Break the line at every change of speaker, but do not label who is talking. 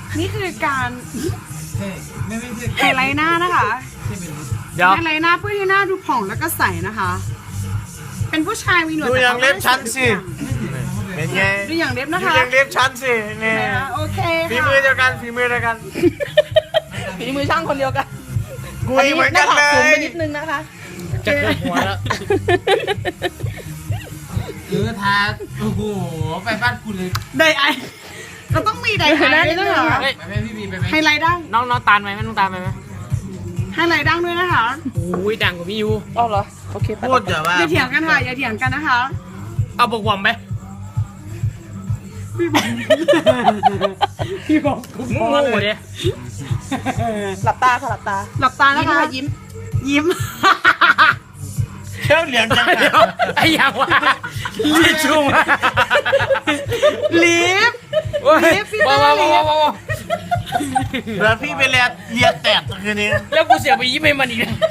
นี่คือการ
ไม่ใช่
ไฮไลท์หน้านะคะ
เดี๋ยว
ไฮไลท์หน้าเพื่อให้หน้าดูผ่องแล้วก็ใสนะคะ เป็นผู้ชายมีหนวด
ดูอย่างเล็บชั้นสิเป็นไง
ดูอย่างเล็บ
ดู
นะคะ
อย่างเล็บชั้นสิเนี่ย
โอเค
ฝี
ค่ะ
มือเดียวกันฝีมือเดียวกัน
ฝีมือช่างคนเดียวกัน
กุยเหมือนกัน
ห
เล
น้าผากสูงไป
ย
นิดนึงนะคะ
จะเกิดหัวแล้ว
ทาโอ้โหไปบ้านคุณเลย
ไดไอเราต้องมีไดไอด้วยเหรอ
ไปไหมพี่บีไปไหม
ไฮไลท์ดั้ง
น้องตาลไหมไม่ต้องตาลไหม
ไฮไลท์ดั้งด้วยนะคะ
โอ้ยดังกว่าพี่ยู
อ๋อเหรอ โอเคไป
พูดแต่ว่า
อย่าเถียงกันค่ะอย่าเถียงกันนะคะ
เอาบกวอมไหม
พี่บอกพี่บอกกู
งู
พอเล
เลย ย
หลับตาค่ะหลับตา
หลับตานะ
ยิ้ม
คะ
ค่ะยิ้ม
ยิ้ม
เชี่ยวเหลียงจังเดียวไอ้ยังวะลิชุ่ม
ลิฟ ลิฟพี่
ว้าว
ได้ลิฟ
แล้วพี่ไปเลียแตกคืนนี้แล้วกูเสียไปยิ้มให้มันอีก